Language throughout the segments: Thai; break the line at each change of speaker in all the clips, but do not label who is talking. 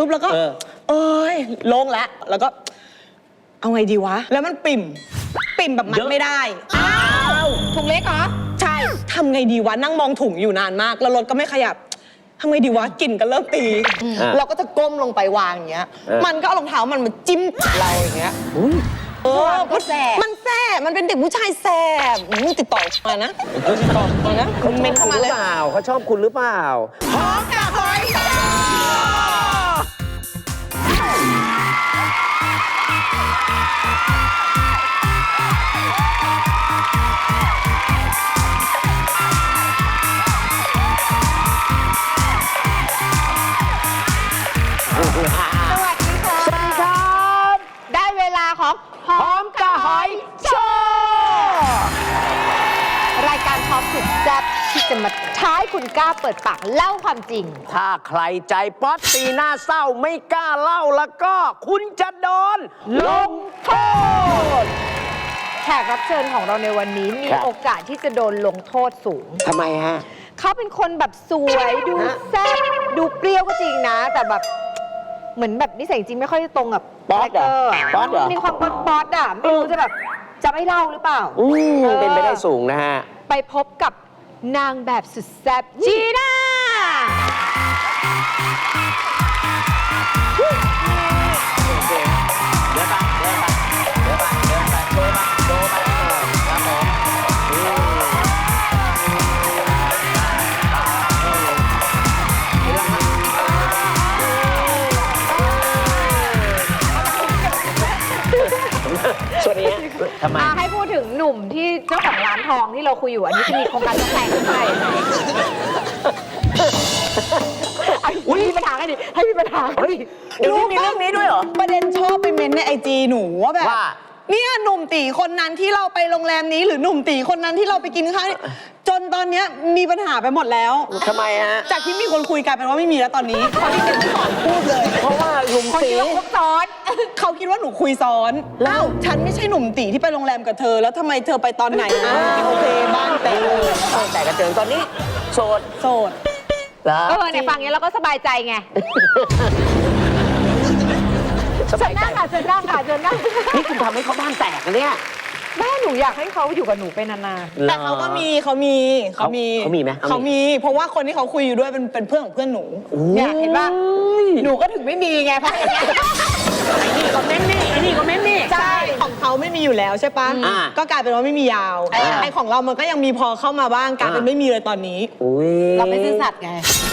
ปุ๊บแล้วก็เอ้ยโล่งแล้วก็เอาไงดีวะแล้วมันปิ่มแบบมันไม่ได้อ้าวถุงเล็กเหรอใช่ทำไงดีวะนั่งมองถุงอยู่นานมากแล้วรถก็ไม่ขยับทำไงดีวะกลิ่นก็เริ่มตีเราก็จะก้มลงไปวางอย่างเงี้ยมันก็เอารองเท้ามันมาจิ้มเราอย่างเงี้ยมันแสบมันเป็นเด็กผู้ชายแสบติดต่อมานะ
เขาเมนเข้ามาเลยเขาชอบคุณหรือเปล่า
หอมกับหอย
ได้เวลาของหอมกับหอยโชว์รายการท็อปสุดแซ่บที่จะมาท้ายคุณกล้าเปิดปากเล่าความจริง
ถ้าใครใจป๊อตตีหน้าเศร้าไม่กล้าเล่าแล้วก็คุณจะโดนลงโทษ
แขกรับเชิญของเราในวันนี้มีโอกาสที่จะโดนลงโทษสูง
ทำไมฮะ
เขาเป็นคนแบบสวยดูแซ่บดูเปรี้ยวก็จริงนะแต่แบบเหมือนแบบนิสัยจริงไม่ค่อยตรงกับ
ป๊อต
มีความป๊อตอ่ะไม่รู้จะแบบจะไม่เล่าหรือเปล่า
เป็นไปได้สูงนะฮะ
ไปพบกับนางแบบสุดแซ่บจีน่า
ส่วนนี้ทำไม
ให้พูดถึงหนุ่มที่เจ้าของร้านทองที่เราคุยอยู่อันนี้จะมีโครงการจะแต่งขึ้นไปมีปัญหากันดิให้มีปัญหา
เดี๋ยวมีเรื่องนี้ด้วยเหรอประเด็นชอบไปเม้นในIGหนูว่าแบบเนี่ยหนุ่มตีคนนั้นที่เราไปโรงแรมนี้หรือหนุ่มตีคนนั้นที่เราไปกินข้าวจนตอนนี้มีปัญหาไปหมดแล้ว
ทำไมฮะ
จากที่มีคนคุยกันเป็นว่าไม่มีแล้วตอนนี้เขาที่เห็นก่อนพูดเลย
เพราะว่าหนุ่มตี
ซ้อน
เขาคิดว่าหนูคุยซ้อนแล้วฉันไม่ใช่หนุ่มตีที่ไปโรงแรมกับเธอแล้วทำไมเธอไปตอนไหนโอเคบ้าน
แต่กระเจิงตอนนี้โสด
เนี่ยฟังอย่างนี้เราก็สบายใจไงเชิญนั่งค่ะเชิญนั่ง
นี่คุณทำให้เขาบ้านแตกนะเนี่ย
แม่หนูอยากให้เขาอยู่กับหนูไปนาน
ๆแต่เขามีไหมเขามีเพราะว่าคนที่เขาคุยอยู่ด้วยเป็นเพื่อนของเพื่อนหนู
เนี่ยเห็นป่ะหนูก็ถึงไม่มีไงเพราะอย่างเงี้ย
ไอ้นี่ก็เม้นนี่ใช่ของเขาไม่มีอยู่แล้วใช่ปะก็กลายเป็นว่าไม่มียาวไอ้ของเรามันก็ยังมีพอเข้ามาบ้างกลายเป็นไม่มีเลยตอนนี้
เราไม่ซื่อสัตย์ไง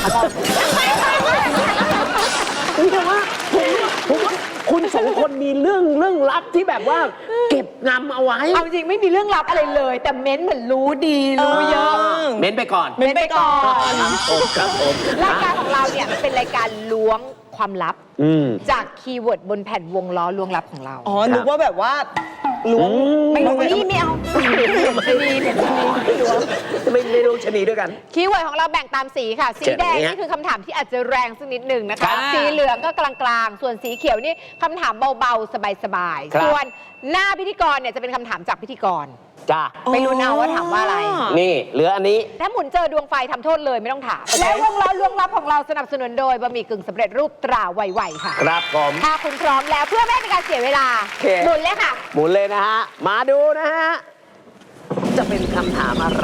แต่ว่าผมว่าคุณสองคนมีเรื่องลับที่แบบว่าเก็บงำเอาไว้
เอาจริงไม่มีเรื่องลับอะไรเลยแต่เม้นเหมือนรู้ดีรู้เยอะ
เม้นไปก่อนครับผม
รายการของเราเนี่ยเป็นรายการล้วงความลับจากคีย์เวิร์ดบนแผ่นวงล้อล้วงลับของเรา
นึกว่าแบบว่าล้วง
ไม่รู้นี่ไม่เอาชนี
ไม่รู้ชนีด้วยกัน
คีย์เวิร์ดของเราแบ่งตามสีค่ะสีแดงนี่คือคำถามที่อาจจะแรงสักนิดหนึ่งนะคะสีเหลืองก็กลางๆส่วนสีเขียวนี่คำถามเบาๆสบายๆส่วนหน้าพิธีกรเนี่ยจะเป็นคำถามจากพิธีกร
จ้า
ไปรู้เอาว่าถามว่าอะไร
นี่เหลืออันนี้
ถ้าหมุนเจอดวงไฟทำโทษเลยไม่ต้องถามและวงล้อล้วงลับของเราสนับสนุนโดยบะหมี่กึ่งสำเร็จรูปตราไวๆค่ะ
ครับผม
ถ้าคุณพร้อมแล้วเพื่อไม่ให้เป็นการเสียเวลาหมุนเลยค่ะ
หมุนเลยนะฮะมาดูนะฮะจะเป็นคำถามอะไร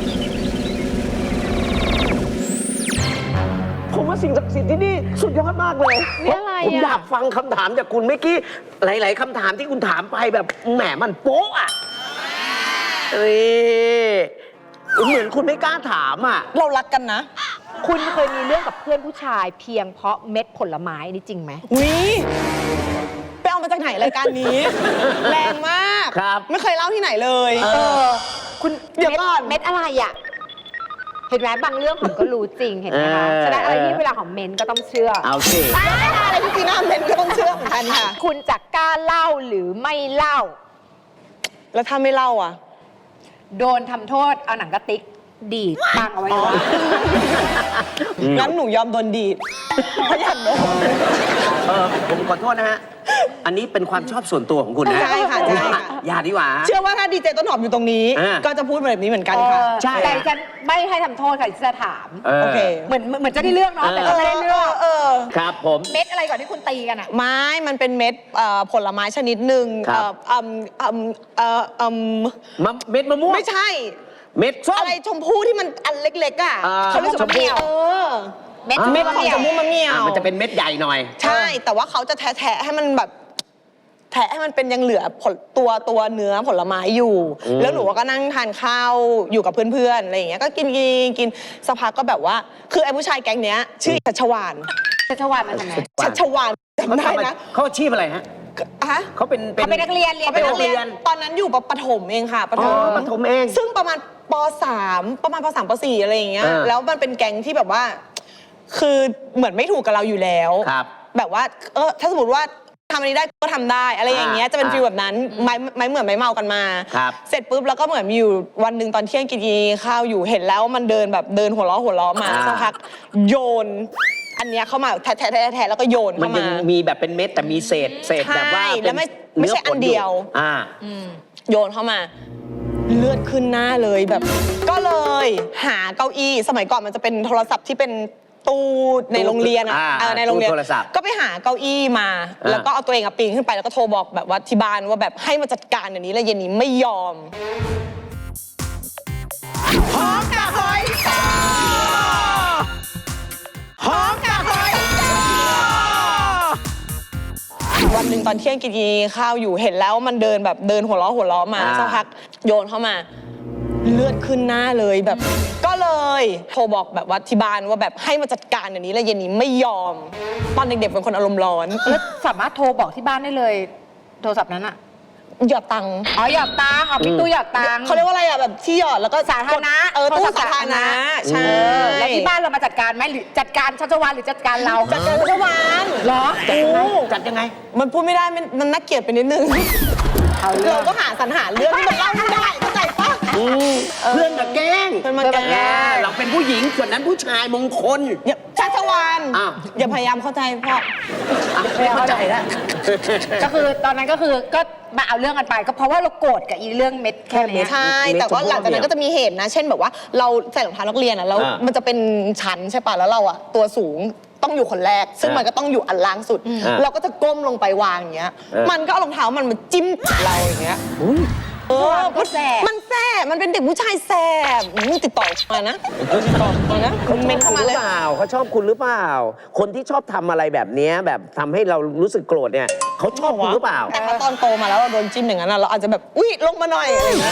ผมว่าสิ่งศักดิ์สิทธิ์ที่นี่สุดยอดมากเลยผมอยากฟังคำถามจากคุณเมื่อกี้หลายๆคำถามที่คุณถามไปแบบแหมมันโป๊ะอ่ะเหมือนคุณไม่กล้าถามอ่ะ
เรารักกันนะ
คุณเคยมีเรื่องกับเพื่อนผู้ชายเพียงเพราะเม็ดผลไม้นี่จริงไหม
ไปเอามาจากไหนรายการนี้แรงมาก
ครับ
ไม่เคยเล่าที่ไหนเลย
คุณเดี๋ยวก่อนเม็ดอะไรอ่ะเห็นไหมบางเรื่องผมก็รู้จริงเห็นไหมคะฉะนั้นอะไรที่เวลาของเมนก็ต้องเชื่อ
เอาสิ
อะไรที่จีน่าเมนก็ต้องเชื่อเหมือนกันค่ะ
คุณจะกล้าเล่าหรือไม่เล่า
แล้วถ้าไม่เล่าอ่ะ
โดนทำโทษเอาหนังกระติกดีดปังเอาไว้
งั้นหนูยอมโดนดีดเพราะอยากโดน
ผมขอโทษนะฮะอันนี้เป็นความชอบส่วนตัวของคุณนะ
ใช่ค่ะใช่ค่ะ
อย่าดีกว่า
เชื่อว่าถ้าดีเจต้นหอมอยู่ตรงนี้ ก็จะพูดแบบนี้เหมือนกันค่ะ
ใช่
แต่ฉันไม่ให้ทำโทษค่ะที่จะถาม
โอเค
เหมือนจะได้เรื่องเนาะแต่ก็ไม่ได้เรื่อง
ครับผม
เม็ดอะไรก่อนที่คุณตีกันอ่ะ
ไม้มันเป็นเม็ดผลไม้ชนิดหนึ่ง
ครับ เม็ดมะม่วง
ไม่ใช่
เม็ดส้ม
อะไรชมพู่ที่มันอันเล็กๆอ่ะ เขาเรียก
ชมพู่ เม็ด
เม็ดของชมพู่มะเมี่ยว
มันจะเป็นเม็ดใหญ่หน่อย
ใช่ แต่ว่าเขาจะแทะให้มันแบบแทะให้มันเป็นยังเหลือผลตัวเนื้อผลไม้อยู่ แล้วหนูก็นั่งทานข้าวอยู่กับเพื่อนๆอะไรอย่างเงี้ยก็กินสักพักก็แบบว่า คือไอ้ผู้ชายแก๊งเนี้ย ชื่อชัชวาน
ชัชวานมาทำไม
ชัชวานจำได้นะ
เขาอาชีพอะไรฮะ
ฮะ
เขาเป็น
เขาเป็นนักเรียนเรียน
เขาเป็นนักเรียน
โรงเรียน
ตอนนั้นอยู่ประถมเองค่ะประถม
ปฐมเอง
ซึ่งประมาณป .3 ประมาณป .3 ป .4 อะไรอย่างเงี้ย แล้วมันเป็นแก๊งที่แบบว่า คือเหมือนไม่ถูกกับเราอยู่แล้ว
ครับ
แบบว่า ถ้าสมมติว่าทำอันนี้ได้ก็ทำได้อะไรอย่างเงี้ย จะเป็นฟีลแบบนั้น ไม่เหมือนไม่เมากันมา
ครับ
เสร็จปุ๊บแล้วก็เหมือนมีอยู่วันหนึ่งตอนเที่ยงกินข้าวอยู่เห็นแล้วมันเดินแบบเดินหัวล้อมาสักพักโยน อันเนี้ยเข้ามาแทะแล้วก็โยน
มัน
เข้า
ยัง
มา
มีแบบเป็นเม็ดแต่มีเศษแบบว่า
ใช่
เป็น
แล้วไม่ใช่อันเดียว
อ่า
โยนเข้ามา เลือดขึ้นหน้าเลยแบบ ก็เลยหาเก้าอี้สมัยก่อนมันจะเป็นโทรศัพท์ที่เป็นตู้ในโรงเรียน ในโรงเรียน
ตู้โทรศัพท์
ก็ไปหาเก้าอี้มา แล้วก็เอาตัวเองปีนขึ้นไปแล้วก็โทรบอกแบบว่าที่บ้านว่าแบบให้มาจัดการอย่างนี้แล้วเย็นนี้ไม่ยอมหอมกับหอยจ้าหอมกับหอยจ้าวันหนึ่งตอนเที่ยงกินข้าวอยู่เห็นแล้วมันเดินแบบเดินหัวล้อมาสักพักโยนเข้ามา เลือดขึ้นหน้าเลยแบบ ก็เลยโทรบอกแบบว่าที่บ้านว่าแบบให้มาจัดการอย่างนี้แล้วเย็นนี้ไม่ยอม ตอนเด็กๆเป็นคนอารมณ์ร้อน
แล้วสามารถโทรบอกที่บ้านได้เลย โทรศัพท์นั้นอ่ะ
หยอดตังค์
อ๋อหยอดตังค์เอาพี่ตู้หยอดตังค์
เขาเรียกว่าอะไรอ่ะแบบที่หยอดแล้วก็
สาธารณะ
ตู้สาธารณะใช่
แล้วที่บ้านเรามาจัดการไหมหรือจัดการชัชวานหรือจัดการเรา
จัดการทุกวัน
เหรอ
จัดยังไง
มันพูดไม่ได้มันน่าเกลียดไปนิดนึง
เอาเรื่อ
เรา
ง
ก็หาสรรหาเรื่องที่มันเล่าไม่ได้เข้าใจปะ
เพื่อนกับแกล้ง
เพื่อนมาแกล้ง
เราเป็นผู้หญิงส่วนนั้นผู้ชายมงคล
อย่าชัชวาน
อ้าว
อย่าพยายามเข้าใจพ่อ
ไม่เข้าใจแล้ว
ก็คือตอนนั้นก็คือก็มาเอาเรื่องกันไป ก็เพราะว่าเราโกรธกับอีเรื่องเม็ดแค่เนี้ย
ใช่ แต่ว่าหลังจากนั้นก็จะมีเหตุนะ เช่นแบบว่าเราใส่รองเท้านักเรียนอ่ะแล้ว มันจะเป็นชั้นใช่ป่ะ แล้วเราอ่ะตัวสูงต้องอยู่คนแรก ซึ่งมันก็ต้องอยู่อันล่างสุด เราก็จะก้มลงไปวางอย่างเงี้ย มันก็เอารองเท้ามันมาจิ้มเราอย่างเงี้ยมันแสบมันเป็นเด็กผู้ชายแสบติดต่อมานะติดต่อมานะ
เขาช
เม
อบ
นเข้า
คุณ
มา
ห
เล
รื
ย
อเปล่าเขาชอบคุณหรือเปล่า คนที่ชอบทำอะไรแบบเนี้ยแบบทำให้เรารู้สึกโกรธเนี่ยเขาชอบคุณหรือเปล่า
แต่ถ้าตอนโตมาแล้วเราโดนจิ้มอย่างนั้นอะเราอาจจะแบบอุ๊ยลงมาหน่อยอะไรอย่างเงี้ย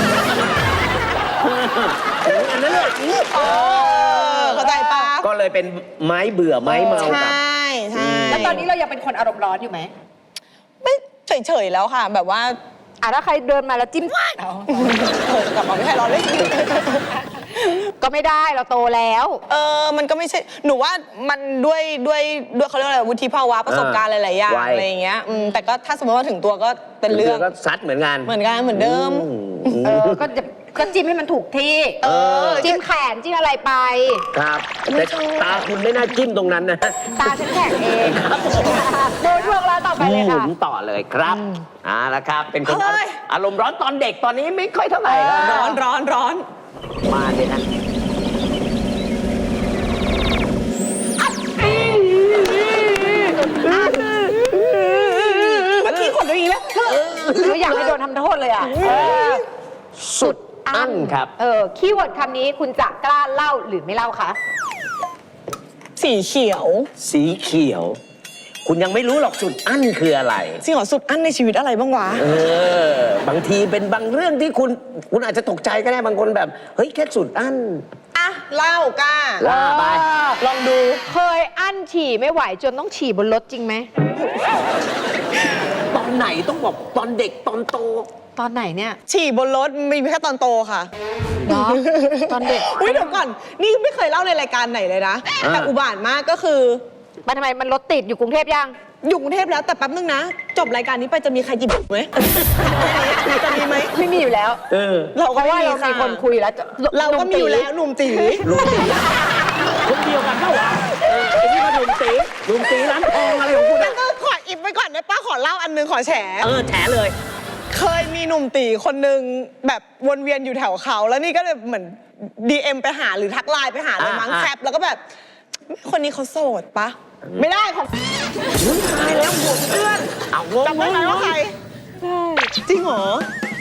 อันนั้นเลย
เข้าใจปะ
ก็เลยเป็นไม้เบื่อไม้เมา
ใช
กับ
่ใช่
แล้วตอนนี้เรายังเป็นคนอารมณ์ร้อนอยู่ไหม
ไม่เฉยๆแล้วค่ะ แบบว่า
ถ้าใครเดินมาแล้วจิ้มเอา
กลับมาไม่ใช่เราเล่น
ก็ไม่ได้เราโตแล้ว
มันก็ไม่ใช่หนูว่ามันด้วยเขาเรียกว่าอะไรวุฒิภาวะประสบการณ์หลายๆอย่าง
วัย
อะไรอย่างเงี้ยแต่ก็ถ้าสมมติว่าถึงตัวก็เป็นเรื่อง
ก็ซัดเหมือนกัน
เหมือนเดิม
ก็จิ้มให้มันถูกที่จิ้มแขนจิ้มอะไรไป
ครับแต่ตาคุณไม่น่าจิ้มตรงนั้นนะ
ตาฉันแข็งเองดูช่วงแล้วต่อไปเลยค่ะ
ผมต่อเลยครับละครับ เป็นคนอารมณ์ร้อนตอนเด็กตอนนี้ไม่ค่อยเท่าไหร่แล้ว
ร้อน
มาเลยนะ
เมื่อกี้ขนตัวอีกแล้ว
คืออยากให้โดนทำโทษเลยอ่ะ
สุดอั้นครับ
คีย์เวิร์ดคำนี้คุณจะกล้าเล่าหรือไม่เล่าคะ
สีเขียว
สีเขียว คุณยังไม่รู้หรอกสุดอั้นคืออะไร
สีเขียวสุดอั้นในชีวิตอะไรบ้างวะ
บางทีเป็นบางเรื่องที่คุณอาจจะตกใจก็ได้บางคนแบบเฮ้ยแค่สุดอั้น
อ่ะเล่ากล้า
ว่าไป
ลองดู
เคยอั้นฉี่ไม่ไหวจนต้องฉี่บนรถจริงไหม
ตอนไหนต้องบอกตอนเด็กตอนโต
ตอนไหนเนี่ย
ฉี่บนรถมีแค่ตอนโตค่ะ
เนาะตอนเด็ก
อุ้ยเดี๋ยวก่อน นี่ไม่เคยเล่าในรายการไหนเลยนะ แต่อุบาทมากก็คือ
มันทำไมมันรถติดอยู่กรุงเทพยัง
อยู่กรุงเทพแล้วแต่แป๊บนึงนะ จบรายการนี้ไปจะมีใครจิบไหม จะมีไหม
ไม่มีอยู่แล้ว
เรา
เพ
ก็
ราะ
ไม่
ว่า
มี
เรามี
ค่ะ
คนคุยแล้ว
เราก็มีอยู่แล้วหนุ่มตี
คนเดียวกันเปล่าวะไอ้นี่มาหนุ่มตีร้านทองอะไรของคุณ
งั้
อะ
นก็ขออิบไปก่อนได้ได้ป้าขอเล่าอันนึงขอแฉ
แฉเลย
เคยมีหนุ่มตีคนนึงแบบวนเวียนอยู่แถวเขาแล้วนี่ก็เลยเหมือน DM ไปหาหรือทักไลน์ไปหาเลยมั้งแคปแล้วก็แบบคนนี้เขาโสดปะไม่ได้ของ
ตายแล้วหัวเพื่อนเอางง
จำได้ไหมว่าใครจริงเหรอ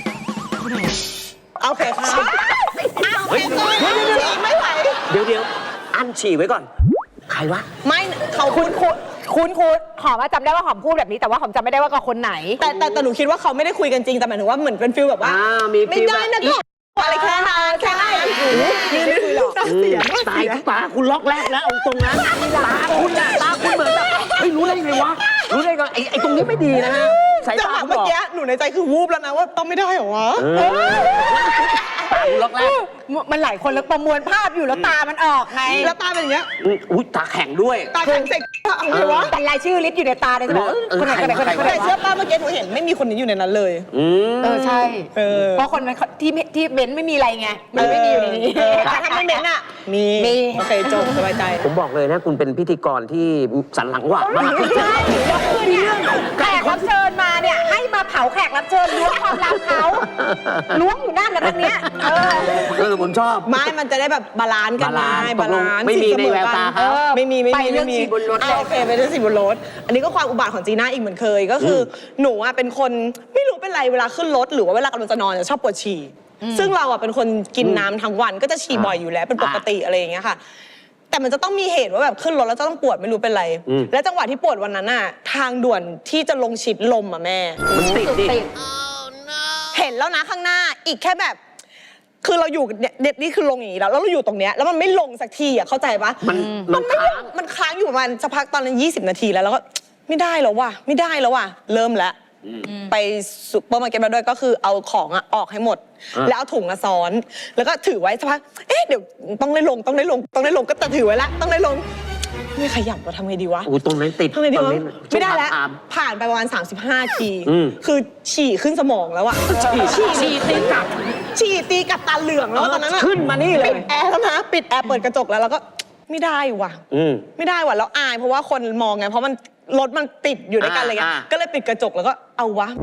โอเคค่ะโอเคไม่ไหว
เดี๋ยวอันฉี่ไว้ก่อนใครวะ
ไม่เขา
คุณหอมจำได้ว่าหอมพูดแบบนี้แต่ว่าหอมจำไม่ได้ว่ากับคนไหน
แต่หนูคิดว่าเขาไม่ได้คุยกันจริงแต่หมายถึงว่าเหมือนเป็นฟิลแบบว่า
มี
ไม่
ฟีล
ได้นะก็อะไรแค่นั้นแค่นั้นนี่ไม่คุยหรอก
ตายตาคุณล็อกแรกแล้วเอาตรงนั้นตาคุณเหมือนแบบเฮ้ยรู้ได้ไงวะรู้ได้ไงไอ้ตรงนี้ไม่ดีนะฮะสาย
จัง
ตา
หวะ
คุณ
เมื่อบ
อ
กี้หนูในใจคือวูบแล้วนะว่าต้องไม่ได้เหรอวะ
ตาคุณล็อกแรก
มันหลายคนแล้วประมวลภาพอยู่แล้วตามันออกไง
แล้วตาเป็นอย่างเงี้ย
อุ้ยตาแข็งด้วย
ตาแข็งเสกเอาไงวะ
แต่รายชื่อลิสต์อยู่ในตาเลยจะบอกคนไหนคนไหนคนไหนคนไหน
แต่เชื่อป้าเมื่อกี้หนูเห็นไม่มีคนนี้อยู่ในนั้นเลย
ใช่
เพ
เพราะคนนั้นที่เบนซ์ไม่มีอะไรไงมันไม่มีอยู่ในนี้
แต่ถ้าไม่เม้นอ่ะมี
มี
โอเคจบสบายใจ
ผมบอกเลยนะคุณเป็นพิธีกรที่สันหลังหวานมาก
ใช่แล้วคือเนี่ยแขกรับเชิญมาเนี่ยให้มาเผาแขกรับเชิญล้วงความลับเขาล้วงอยู่นั่นแล้วตรงเนี้ย
ผมชอบ
ไม่มันจะได้แบบบาลานซ์กันไงบาลานซ์
ไม่มีในแววตาเขา
ไม่มี
ไปเรื่องฉี่บนรถเลย
โอเคไปเรื่องฉี่บนรถอันนี้ก็ความอุบาทของจีน่าอีกเหมือนเคยก็คือหนูอ่ะเป็นคนไม่รู้เป็นไรเวลาขึ้นรถหรือว่าเวลากำลังจะนอนจะชอบปวดฉี่ซึ่งเราอ่ะเป็นคนกินน้ำทั้งวันก็จะฉี่บ่อยอยู่แล้วเป็นปกติอะไรอย่างเงี้ยค่ะ แต่มันจะต้องมีเหตุว่าแบบขึ้นรถแล้วจะต้องปวดไม่รู้เป็นไร และจังหวะที่ปวดวันนั้นน่ะทางด่วนที่จะลงชิดลมอ่ะแม่
มันติดดิ
เห็นแล้วนะข้างหน้าอีกแค่แบบ คือเราอยู่เนี่ยนี่คือลงอย่างนี้แล้วเราอยู่ตรงเนี้ยแล้วมันไม่ลงสักทีอ่ะเข้าใจปะ
มัน
ไม่ล
ค้าง
งมันค้างอยู่ประมาณสักพักตอนนั้น20 นาทีแล้วก็ไม่ได้แล้วว่ะไม่ได้แล้วว่ะเริ่มแล้วไปซุปเปอร์มาร์เก็ตมาด้วยก็คือเอาของอ่ะออกให้หมด แล้วเอาถุงอะซ้อน แล้วก็ถือไว้สักพักเดี๋ยวต้องได้ลงก็แต่ถือไว้ละต้องได้ลงไม่ขยับว่าทำไงดีวะ
ตรงนั้นติด
ทำไงดีวะ
ตรงนี้
ไม่ได้แล้ว
ช่วงตาม
ผ่านไปประมาณ35 ที
อืม
คือฉี่ขึ้นสมองแล้วอะฉี่ตีกับตาเหลืองแล้วอะตอนนั้นอะ
ขึ้นมานี่เล
ปิ
ย
ดแอร์แล้วนะปิดแอร์เปิดกระจกแล้วก็ไม่ได้ว่ะไม่ได้ว่ะแล้วอายเพราะว่าคนมองไงเพราะมันรถมันติดอยู่ด้วยกันอะไรเงี้ยก็เลยปิดกระจกแล้วก็เอาวะ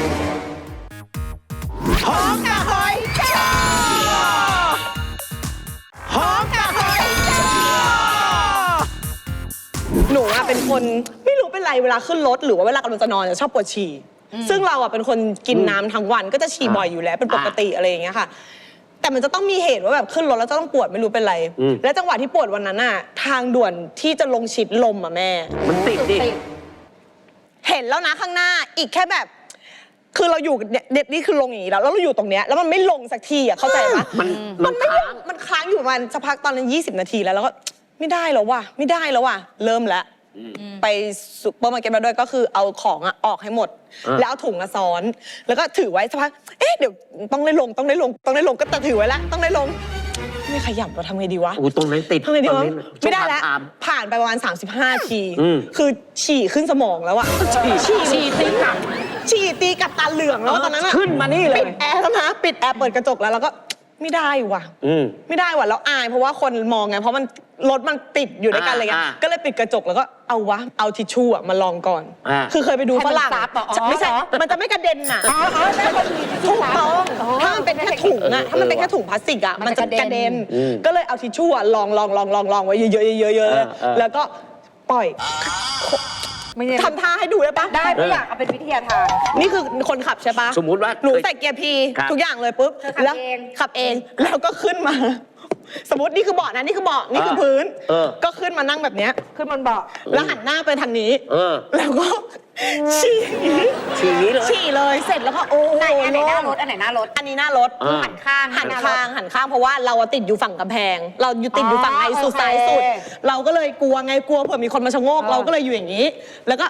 หอมกะหอยจ้าหอมกะหอยจ้าหนูอะเป็นคนไม่รู้เป็นไรเวลาขึ้นรถหรือว่าเวลากำลังจะนอนจะชอบปวดฉี่ซึ่งเราอะเป็นคนกินน้ำทั้งวันก็จะฉี่บ่อยอยู่แล้วเป็นปกติอะไรอย่างเงี้ยค่ะ แต่มันจะต้องมีเหตุว่าแบบขึ้นรถแล้วจะต้องปวดไม่รู้เป็นไร และจังหวะที่ปวดวันนั้นน่ะทางด่วนที่จะลงชิดลมอ่ะแม่
มันติดดิ
เห็นแล้วนะข้างหน้าอีกแค่แบบ คือเราอยู่เนี่ยนี่คือลงอย่างนี้แล้วเราอยู่ตรงเนี้ยแล้วมันไม่ลงสักทีอ่ะเข้าใจปะ
มัน
ไม่ล
ค้าง
งมันค้างอยู่ประมาณสักพักตอนนั้น20 นาทีแล้วก็ไม่ได้แล้วว่ะไม่ได้แล้วว่ะเริ่มแล้วไปซุปเปอร์มาร์เก็ตมาด้วยก็คือเอาของอ่ะออกให้หมด แล้วเอาถุงอะซ้อน แล้วก็ถือไว้สักพักเดี๋ยวต้องได้ลงก็แต่ถือไว้ละต้องได้ลงไม่ขยับว่าทำไงดีวะ
ตรงนั้นติด
ทำไงดีวะ
ตรงนี้
ไม่ได้แล้ว
ช่วงตาม
ผ่านไปประมาณ35 ทีคือฉี่ขึ้นสมองแล้วอะฉี่ตีกับตาเหลืองแล้วอะตอนนั้นอะ
ขึ้นมานี่เลย
ปิดแอร์แล้วนะปิดแอร์เปิดกระจกแล้วก็ไม่ได้ว่ะไม่ได้ว่ะแล้วอายเพราะว่าคนมองไงเพราะมันรถมันติดอยู่ด้วยกันอะไรเงี้ยก็เลยปิดกระจกแล้วก็เอาวะเอาทิชชู่อะมาลองก่อนคือเคยไปดูฝรั่งไม่ใช่มันจะไม่กระเด็นน่ะถูกต้องถ้ามันเป็นแค่ถุงอะถ้ามันเป็นแค่ถุงพลาสติกอะมันจะกระเด็นก็เลยเอาทิชชู่อะลองไว้เยอะๆแล้วก็ปล่อยทำท่าให้ดูได้ปะ
ได้ไม่อยากเอาเป็นวิทยาทาน
นี่คือคนขับใช่ปะ
สมมุติว่า
หนูใส่เกียร์พี
ครับ
ทุกอย่างเลยปุ๊บ
เธอขับ
แล้ว
เอง
ขับเองแล้วก็ขึ้นมา สมมตินี่คือเบาะนะนี่คือเบาะนี่คือพื้น ก็ขึ้นมานั่งแบบเนี้ย
ขึ้นบนเบาะ
แล้วหันหน้าไปทางนี้ แล้วก็ ฉี่
ฉี่นี้เลย
ฉี่เลยเสร็จแล้วก็โอ้โห
อันไหนหน้ารถ
อันนี้หน้ารถ
หันข้าง
หันข้างเพราะว่าเราอะติดอยู่ฝั่งกำแพง เราอยู่ติดอยู่ฝั่งในสุด
โอเค
ซ้ายสุด เราก็เลยกลัวไงกลัวเผื่อมีคนมาชะโงก เราก็เลยอยู่อย่างนี้ แล้วก็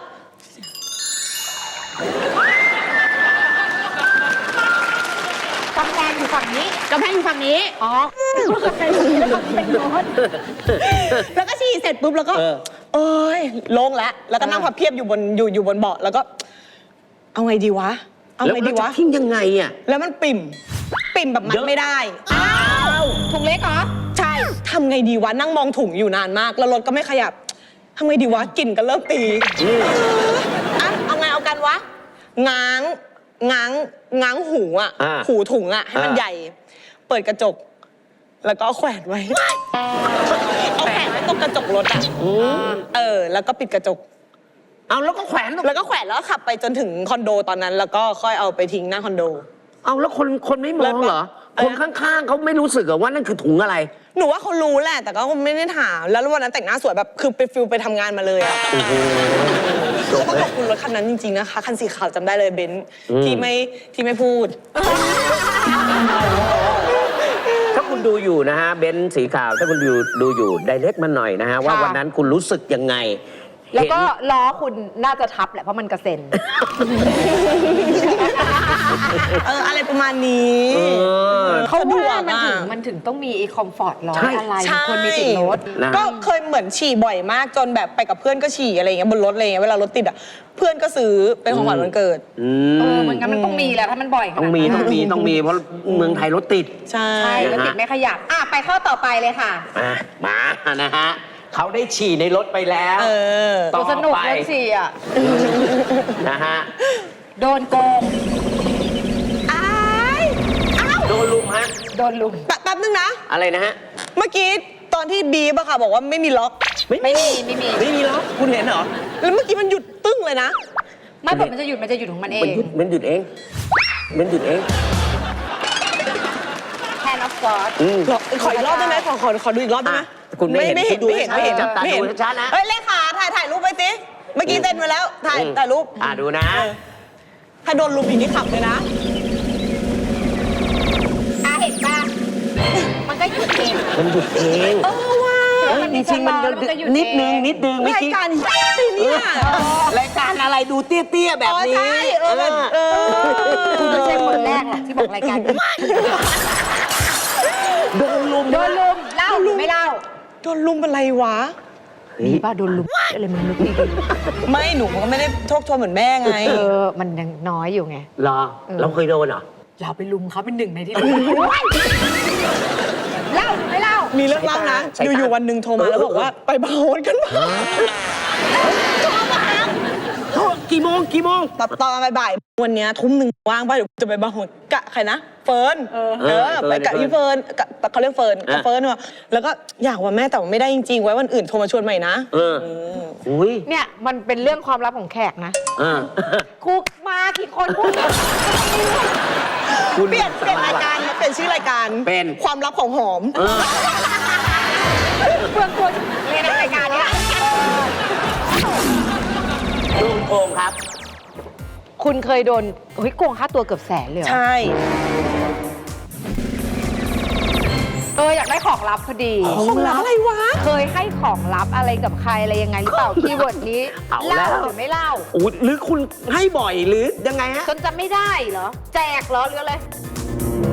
กำแพงอยู่ฝั่งนี้
กำแพงอยู่ฝั่งนี้
อ๋อเป็นรถ
แล้วก็ฉี่เสร็จปุ๊บแล้วก็เอ้ยโล่งแล้วก็นั่งพับเพียบอยู่บนเบาะแล้วก็เอาไงดีวะเอาไงดีวะ
แล้วจะทิ้งยังไงอ่ะ
แล้วมันปิ่มแบบมัดไม่ได้อ้าว
ถุงเล็กเหรอ
ใช่ทำไงดีวะนั่งมองถุงอยู่นานมากแล้วรถก็ไม่ขยับทำไงดีวะกลิ่นก็เริ่มตีเอาไงเอาวะง้างหูอ่ะ หูถุงอ่ะให้มันใหญ่ เปิดกระจก แล้วก็เอาแขวนไว้ เอาแขวนไว้ตรงกระจกรถอ่ะแล้วก็ปิดกระจก
เอาแล้วก็แขวน
แล้วก็แขวนแล้วก็ขับไปจนถึงคอนโดตอนนั้น แล้วก็ค่อยเอาไปทิ้งหน้าคอนโด
เอาแล้วคนไม่มองเหรอ คนข้างๆเขาไม่รู้สึกเหรอว่านั่นคือถุงอะไร
หนูว่าเขารู้แหละ แต่ก็ไม่ได้ถาม แล้ววันนั้นแต่งหน้าสวยแบบคือไปฟิลไปทำงานมาเลยอ่ะต้องขอบคุณรถคันนั้นจริงๆนะคะ คันสีขาวจำได้เลยเบนซ์ที่ไม่พูด
ถ้าคุณดูอยู่นะฮะเบนซ์สีขาวถ้าคุณดูอยู่ไดเรกมาหน่อยนะฮะว่าวันนั้นคุณรู้สึกยังไง
แล้วก็ล้อคุณน่าจะทับแหละเพราะมันกระเซ็น
อะไรประมาณนี้เขาดู
ว่า
อ่ะ
มันถึงต้องมีไอ้คอมฟอร์ตล้อ
ใช่
อะไร
ใช่
คนมีติดรถ
นะ
ก็เคยเหมือนฉี่บ่อยมากจนแบบไปกับเพื่อนก็ฉี่อะไรอย่างเงี้ยบนรถอะไรเงี้ยเวลารถติดอ่ะเพื่อนก็ซื้อเป็นของขวัญวันเกิด
มันงั้นมันต้องมีแหละถ้ามันบ่อยขนาด
ต้อง
นั้น
มีเพราะเมืองไทยรถติด
ใช่
ใช่แล้วติดไม่ขยับไปข้อต่อไปเลยค่ะ
มานะฮะเขาได้ฉี่ในรถไปแล้ว ต่อ
สนุก
ไป
เลยสิอ่ะ
นะฮะ
โดนโกง
โดนลุมฮะ
โดนลุม
แป๊บนึงนะ
อะไรนะฮะ
เมื่อกี้ตอนที่บีบอะค่ะบอกว่าไม่มีล็อก
ไม่มี
ไม่มีหรอคุณเห็นเหรอ
แล้วเมื่อกี้มันหยุดตึ้งเลยนะ
ไม่บอกมันจะหยุดของมันเอง
มันหยุดเอง
Hand of God
ขออีกรอบได้ไหมขอดูอีกรอบได้ไหม
คุณไม่เห็น
ไม่เห็น
คุณดู
ไม่เห็นไม่เห็น
จับตา
ไม่เห็น
ดูชัดๆนะ
เฮ้ยเลขาถ่ายรูปไปสิเมื่อกี้เซ็นไว้แล้วถ่ายรูป
ดูนะ
ถ้าโดนลุมอีกนี่ขับเลยนะ
เห็นป่ะ มันก็หยุดเอง
มันหยุดเอง
ว้า
จริงๆมันนิดนึงเมื่อ
ราย
กี้
การเนี่ย
รายการอะไรดูเตี้ยๆแบบนี้
ใช่
คุณไม่ใช่คนแรกหรอกที่บอกรายการนี้
โดนลุม
เล่าหรือไม่เล่า
โดนลุมเป็นไรวะ
มีป่ะโดนลุมอะไรมันนึกดี
ไม่หนูก็ไม่ได้โชคโชนเหมือนแม่ไง
มันยังน้อยอยู่ไง
เหรอ เราเคยโดนเหรอ
เราไปลุมเขาเป็นหนึ่งในที่ลุมเล่าหรือไม่เล่า
มีเรื่องเล่านะ อยู่ๆวันหนึ่งโทรมาแล้วบอกว่าไปบาร์โฮสกันมา
กี่โมง
ตอนบ่ายๆวันเนี้ยทุ่มหนึ่งว่างป่ะเดี๋ยวจะไปบาร์โฮสกะใครนะเฟิร์นไปกับพี่เฟิร์นเขาเรียกเฟิร์นกับเฟิร์นว่ะแล้วก็อยากว่าแม่แต่ว่าไม่ได้จริงๆไว้วันอื่นโทรมาชวนใหม่นะ
อุ้ย
เนี่ยมันเป็นเรื่องความลับของแขกนะคุกมากี่คนพูด
เปลี่ยนรายการนะเปลี่ยนชื่อรายการ
เป็น
ความลับของหอม
เพื่อนตัวเรียนในรายการเนี้ย
ลุงโกงครับ
คุณเคยโดนโกงค่าตัวเกือบแสนเลยเหรอ
ใช่
อยากได้ของลับพอดี
ของลับอะไรวะ
เคยให้ของลับอะไรกับใครอะไรยังไงหรือเปล่าคีย์เวิร์ดนี้
เอาแล้ว
เล่าหรือไม่เล่า
หรือคุณให้บ่อยหรือยังไงฮะ
จนจำไม่ได้เหรอ แจกเหรอหรืออะไร